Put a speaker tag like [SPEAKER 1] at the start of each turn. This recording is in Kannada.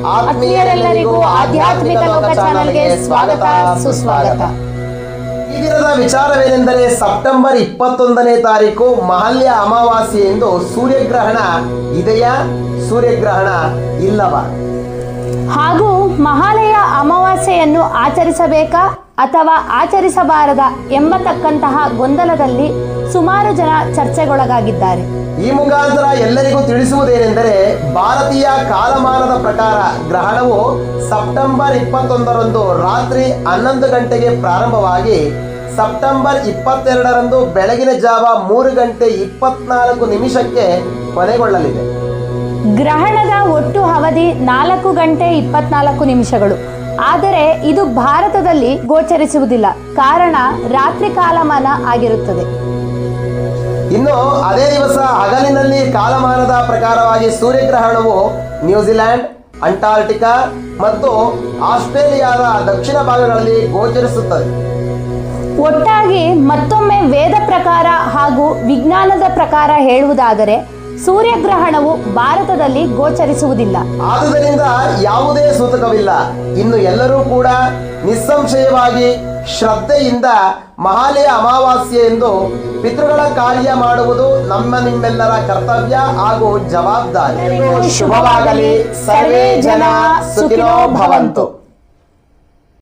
[SPEAKER 1] ಆತ್ಮೀಯರೆಲ್ಲರಿಗೂ ಆಧ್ಯಾತ್ಮಿಕ ಲೋಕ ಚಾನೆಲ್ಗೆ ಸ್ವಾಗತ ಸುಸ್ವಾಗತ.
[SPEAKER 2] ಈ ದಿನದ ವಿಚಾರವೇನೆಂದರೆ ಸೆಪ್ಟೆಂಬರ್ 21ನೇ ತಾರೀಕು ಮಹಾಲ್ಯ ಅಮಾವಾಸ್ಯೆ ಎಂದು ಸೂರ್ಯಗ್ರಹಣ ಇದೆಯಾ, ಸೂರ್ಯಗ್ರಹಣ ಇಲ್ಲವಾ,
[SPEAKER 1] ಹಾಗೂ ಮಹಾಲಯ ಅಮಾವಾಸ್ಯೆಯನ್ನು ಆಚರಿಸಬೇಕಾ ಅಥವಾ ಆಚರಿಸಬಾರದ ಎಂಬತಕ್ಕಂತಹ ಗೊಂದಲದಲ್ಲಿ ಸುಮಾರು ಜನ ಚರ್ಚೆಗೊಳಗಾಗಿದ್ದಾರೆ.
[SPEAKER 2] ಈ ಮುಖಾಂತರ ಎಲ್ಲರಿಗೂ ತಿಳಿಸುವುದೇನೆಂದರೆ ಭಾರತೀಯ ಕಾಲಮಾನದ ಪ್ರಕಾರ ಗ್ರಹಣವು ಸೆಪ್ಟೆಂಬರ್ 21ರಂದು ರಾತ್ರಿ 11 ಗಂಟೆಗೆ ಪ್ರಾರಂಭವಾಗಿ ಸೆಪ್ಟೆಂಬರ್ 22ರಂದು ಬೆಳಗಿನ ಜಾವ 3 ಗಂಟೆ 24 ನಿಮಿಷಕ್ಕೆ ಕೊನೆಗೊಳ್ಳಲಿದೆ.
[SPEAKER 1] ಗ್ರಹಣದ ಒಟ್ಟು ಅವಧಿ 4 ಗಂಟೆ 24 ನಿಮಿಷಗಳು. ಆದರೆ ಇದು ಭಾರತದಲ್ಲಿ ಗೋಚರಿಸುವುದಿಲ್ಲ, ಕಾರಣ ರಾತ್ರಿ ಕಾಲಮಾನ ಆಗಿರುತ್ತದೆ.
[SPEAKER 2] ಇನ್ನು ಅದೇ ದಿವಸ ಹಗಲಿನಲ್ಲಿ ಕಾಲಮಾನದ ಪ್ರಕಾರವಾಗಿ ಸೂರ್ಯಗ್ರಹಣವು ನ್ಯೂಜಿಲೆಂಡ್, ಅಂಟಾರ್ಟಿಕಾ ಮತ್ತು ಆಸ್ಟ್ರೇಲಿಯಾದ ದಕ್ಷಿಣ ಭಾಗಗಳಲ್ಲಿ ಗೋಚರಿಸುತ್ತದೆ.
[SPEAKER 1] ಒಟ್ಟಾಗಿ ಮತ್ತೊಮ್ಮೆ ವೇದ ಪ್ರಕಾರ ಹಾಗೂ ವಿಜ್ಞಾನದ ಪ್ರಕಾರ ಹೇಳುವುದಾದರೆ ಸೂರ್ಯಗ್ರಹಣವು ಭಾರತದಲ್ಲಿ ಗೋಚರಿಸುವುದಿಲ್ಲ.
[SPEAKER 2] ಆದುದರಿಂದ ಯಾವುದೇ ಸೂತಕವಿಲ್ಲ. ಇನ್ನು ಎಲ್ಲರೂ ಕೂಡ ನಿಸ್ಸಂಶಯವಾಗಿ ಶ್ರದ್ಧೆಯಿಂದ ಮಹಾಲಯ ಅಮಾವಾಸ್ಯೆ ಎಂದು ಪಿತೃಗಳ ಕಾರ್ಯ ಮಾಡುವುದು ನಿಮ್ಮೆಲ್ಲರ ಕರ್ತವ್ಯ ಹಾಗೂ ಜವಾಬ್ದಾರಿ. ಶುಭವಾಗಲಿ. ಸರ್ವೇ ಜನ ಸುಖಿನೋ ಭವಂತು.